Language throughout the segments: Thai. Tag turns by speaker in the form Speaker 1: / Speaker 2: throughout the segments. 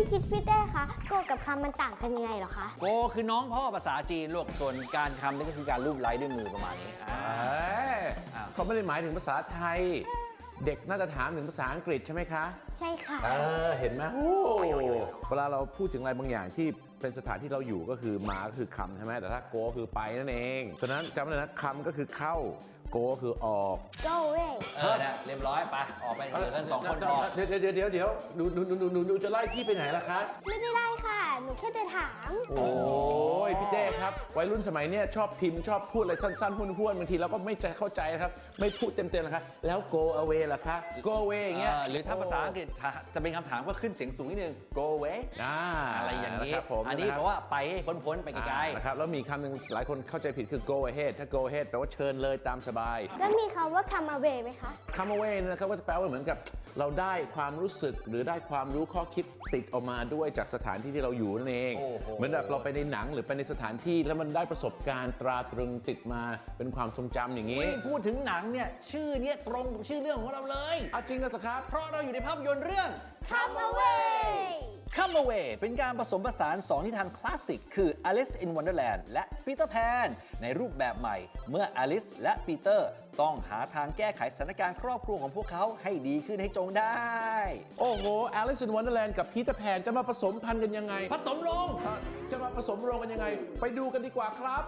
Speaker 1: คิดพี่เต้คะโกกับคำมันต่างกันยังไงเหรอคะ
Speaker 2: โกคือน้องพ่อภาษาจีนลูกส่วนการทำนี่ก็คือการรูปไล้ด้วยมือประมาณนี้
Speaker 3: เขาไม่ได้หมายถึงภาษาไทย เด็กน่าจะถามถึงภาษาอังกฤษใช่ไหมคะ
Speaker 1: ใช่ค่ะ
Speaker 3: เห็นไหมเวลาเราพูดถึงอะไรบางอย่างที่เป็นสถานที่เราอยู่ก็คือมาก็คือคำใช่ไหมแต่ถ้าโกคือไปนั่นเองฉะนั้นจำไว้เลยนะคำก็คือเข้าโกคือออก
Speaker 1: go away
Speaker 2: เนี่ยเรียบร้อยไปออกไปเหลือกัน2 คนพอ
Speaker 3: เดี๋ยวหนูจะไล่พี่ไปไหนล่ะคะ
Speaker 1: ไม่ได้ไล่ค่ะหนูแค่จะถาม
Speaker 3: โอ้ยพี่เต้ครับวัยรุ่นสมัยเนี้ยชอบพิมพ์ชอบพูดอะไรสั้นๆห้วนๆบางทีเราก็ไม่ใจเข้าใจนะครับไม่พูดเต็มๆนะคะแล้ว go away ล่ะคะ go away อย่างเงี้ย
Speaker 2: หรือถ้าภาษาอังกฤษจะเป็นคำถามก็ขึ้นเสียงสูงนิดนึง go away อะไรอย่างนี้อันนี้เพราะว่าไปพ้นไปไกลๆ
Speaker 3: นะครับแล้วมีคำหนึ่งหลายคนเข้าใจผิดคือ go ahead ถ้า go ahead แปลว่าเชิญเลยตามสบาย
Speaker 1: แล้วมีคำว่า come away ไหมคะ
Speaker 3: come away นะครับก็จะแปลว่าเหมือนกับเราได้ความรู้สึกหรือได้ความรู้ข้อคิดติดออกมาด้วยจากสถานที่ที่เราอยู่นั่นเองเหมือนแบบเราไปในหนังหรือไปในสถานที่แล้วมันได้ประสบการณ์ตราตรึงติดมาเป็นความทรงจำอย่างนี้
Speaker 2: พูดถึงหนังเนี่ยชื่อเนี้ยตรงกับชื่อเรื่องของเราเลย
Speaker 3: จริงนะครับ
Speaker 2: เพราะเราอยู่ในภาพยนตร์เรื่อง
Speaker 1: come away
Speaker 2: Come Away เป็นการผสมผสาน2นิทานคลาสสิกคือ Alice in Wonderland และ Peter Pan ในรูปแบบใหม่เมื่อ Alice และ Peter ต้องหาทางแก้ไขสถานการณ์ครอบครัวของพวกเขาให้ดีขึ้นให้จงได้
Speaker 3: โอ้โห Alice in Wonderland กับ Peter Pan จะมาผสมพันธุ์กันยังไง
Speaker 2: ผสมลง
Speaker 3: จะมาผสมโรงกันยังไงไปดูกันดีกว่าครับ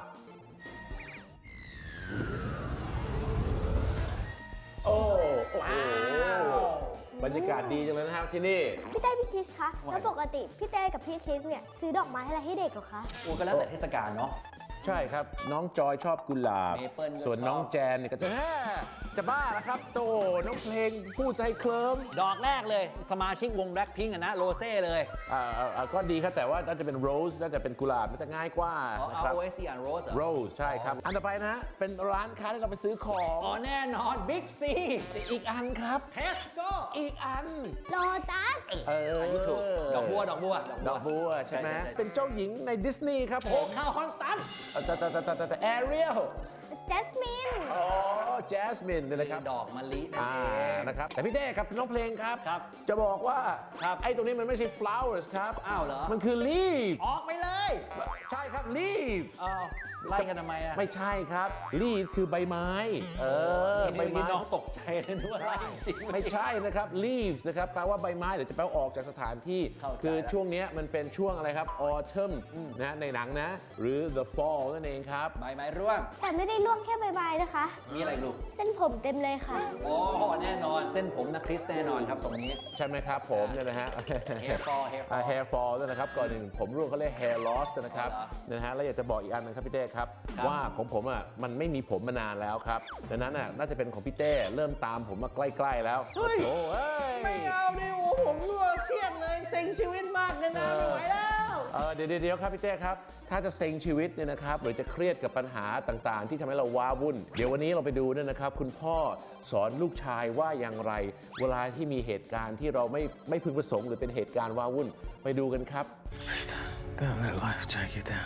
Speaker 3: โอ้โหบรรยากาศดีจังเลยนะครับที่นี่
Speaker 1: พี่เต้พี่คิสคะแล้วปกติพี่เต้กับพี่คิสเนี่ยซื้อดอกไม้อะไรให้เด็กเหรอคะ
Speaker 2: ก็แล้วแต่เทศกาลเนาะ
Speaker 3: ใช่ครับน้องจอยชอบกุหลาบส่วนน้องแจนเนี่ยก็จะบ้าแล้วครับโตน้องเพลงพูดใจเคลิ้ม
Speaker 2: ดอกแรกเลยสมาชิกวง Blackpink นะโรเซ่เลย
Speaker 3: ก็ดีครับแต่ว่าน่าจะเป็นโรสน่าจะเป็นกุหลาบมันจะง่ายกว่า
Speaker 2: นะครับ OSC อ่านโรส
Speaker 3: โรสใช่ครับอันต่อไปนะเป็นร้านค้าที่เราไปซื้อของ
Speaker 2: แน่นอน Big C
Speaker 3: อีกอันครับ
Speaker 2: Tesco
Speaker 3: อีกอัน
Speaker 1: Lotus
Speaker 2: อันนี้ถูกดอกบัว
Speaker 3: ใช่ไหมเป็นเจ้าหญิงในดิสนีย์ครับผม
Speaker 2: ข้าวฮอนตัน
Speaker 3: แต่แอเรียล
Speaker 1: Jasmine
Speaker 3: แจสมินเลยนะครับ
Speaker 2: ดอกมะลิ
Speaker 3: นะครับแต่พี่เต้ครับน้องเพลงครับ จะบอกว่าไอ้ตรงนี้มันไม่ใช่ flowers ครับ
Speaker 2: อ้าวเหรอ
Speaker 3: มันคือ leaves
Speaker 2: ออกไปเลย
Speaker 3: ใช่ครับ leaves
Speaker 2: ไล่กันทำไมอะ
Speaker 3: ไม่ใช่ครับ leaves คือใบไม้
Speaker 2: ใบไม้น้องตกใจเลยนึกว่าไล่จริง
Speaker 3: ไม่ใช่นะครับ leaves นะครับแปลว่าใบไม้หรือจะแปลว่าออกจากสถานที่คือช่วงนี้มันเป็นช่วงอะไรครับ autumn นะในหนังนะหรือ the fall นั่นเองครับ
Speaker 2: ใบไม้ร่วง
Speaker 1: แต่ไม่ได้ร่วงแค่ใบๆนะคะ
Speaker 2: มีอะไรลูก
Speaker 1: เส้นผมเต็มเลยค่ะ
Speaker 2: แน่นอนเส้นผมนะคริสแน่นอนครับทรงนี้
Speaker 3: ใช่ไหมครับผมเนี่ยนะฮะ hair fall ด้วยนะครับก่อนหนึ่งผมร่วงเขาเรียก hair loss นะครับนะฮะแล้วอยากจะบอกอีกอันนึงครับพี่เต้ครับว่าของผมอ่ะมันไม่มีผมมานานแล้วครับดังนั้นอ่ะน่าจะเป็นของพี่เต้เริ่มตามผมมาใกล้ๆแล้ว
Speaker 2: โอ้ไม่เอาดิผมรั่วเครียดเลยเซ็งชีวิตมากเลยนะไม่ไหวแล้ว
Speaker 3: เดี๋ยวครับพี่เต้ครับถ้าจะเซ็งชีวิตเนี่ยนะครับหรือจะเครียดกับปัญหาต่างๆที่ทำให้เราว้าวุ่นเดี๋ยววันนี้เราไปดูเนี่ยนะครับคุณพ่อสอนลูกชายว่าอย่างไรเวลาที่มีเหตุการณ์ที่เราไม่พึงประสงค์หรือเป็นเหตุการณ์ว้าวุ่นไปดูกันครับ
Speaker 4: Don't let life drag you down.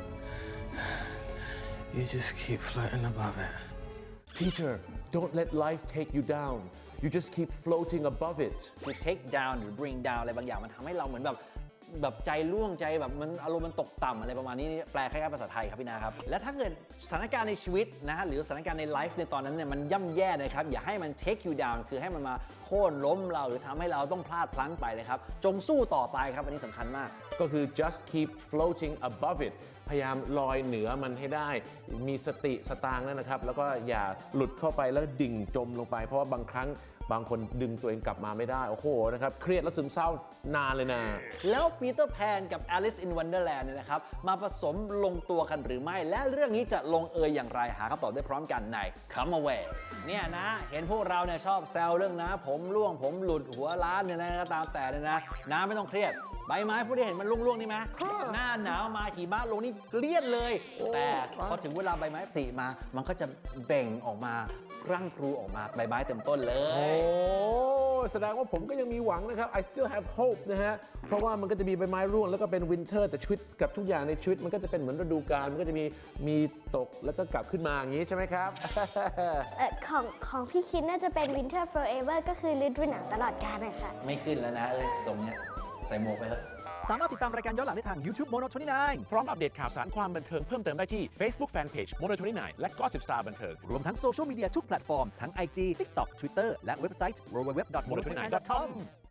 Speaker 4: You just keep floating above it.
Speaker 3: Peter, don't let life take you down. You just keep floating above it.
Speaker 2: คือ take down หรือ bring down อะไรบางอย่างมันทำให้เราเหมือนแบบใจร่วงใจแบบมันอารมณ์มันตกต่ำอะไรประมาณนี้แปลคล้ายๆภาษาไทยครับพี่นาครับและถ้าเกิดสถานการณ์ในชีวิตนะฮะหรือสถานการณ์ในไลฟ์ในตอนนั้นเนี่ยมันย่ำแย่นะครับอย่าให้มัน take you down คือให้มันมาโค่นล้มเราหรือทำให้เราต้องพลาดพลั้งไปนะครับจงสู้ต่อไปครับอันนี้สำคัญมาก
Speaker 3: ก็คือ just keep floating above it พยายามลอยเหนือมันให้ได้มีสติสตางค์นะครับแล้วก็อย่าหลุดเข้าไปแล้วดิ่งจมลงไปเพราะว่าบางครั้งบางคนดึงตัวเองกลับมาไม่ได้โอ้โหนะครับเครียดและซึมเศร้านานเลยนะ
Speaker 2: แล้วปีเตอร์แพนกับ Alice in Wonderland เนี่ยนะครับมาผสมลงตัวกันหรือไม่และเรื่องนี้จะลงเอยอย่างไรหาคำตอบได้พร้อมกันใน Come Away เนี่ยนะเห็นพวกเราเนี่ยชอบแซวเรื่องนะผมร่วงผมหลุดหัวล้านเนี่ยนะก็ตามแต่เนี่ยนะน้าไม่ต้องเครียดใบไม้ผู้ที่เห็นมันร่วงๆนี่ไหมหน้าหนาวมาหิมะลงนี่เกลี้ยนเลยแต่พอถึงเวลาใบไม้ผลิมามันก็จะเบ่งออกมาร่างพลูออกมาใบไม้เต็มต้นเลย
Speaker 3: โอ้แสดงว่าผมก็ยังมีหวังนะครับ I still have hope นะฮะเพราะว่ามันก็จะมีใบไม้ร่วงแล้วก็เป็นวินเทอร์แต่ชีวิตกับทุกอย่างในชีวิตมันก็จะเป็นเหมือนฤดูกาลมันก็จะมีตกแล้วก็กลับขึ้นมาอย่างนี้ใช่ไหมครับ
Speaker 1: ของพี่คิดน่าจะเป็น Winter Forever ก็คือฤดูหนาวตลอดกาลนะคะ
Speaker 2: ไม่ขึ้นแล้วนะทรงเนี้ยใส่หมวกไปเถอะ
Speaker 5: สามารถติดตามรายการย้อนหลังได้ทาง YouTube Mono 29
Speaker 3: พร้อมอัปเดตข่าวสารความบันเทิงเพิ่มเติมได้ที่ Facebook Fanpage Mono 29 และ Gossip Star บันเทิง
Speaker 5: รวมทั้งโซเชียลมีเดียทุกแพลตฟอร์มทั้ง IG TikTok Twitter และเว็บไซต์ www.mono29.com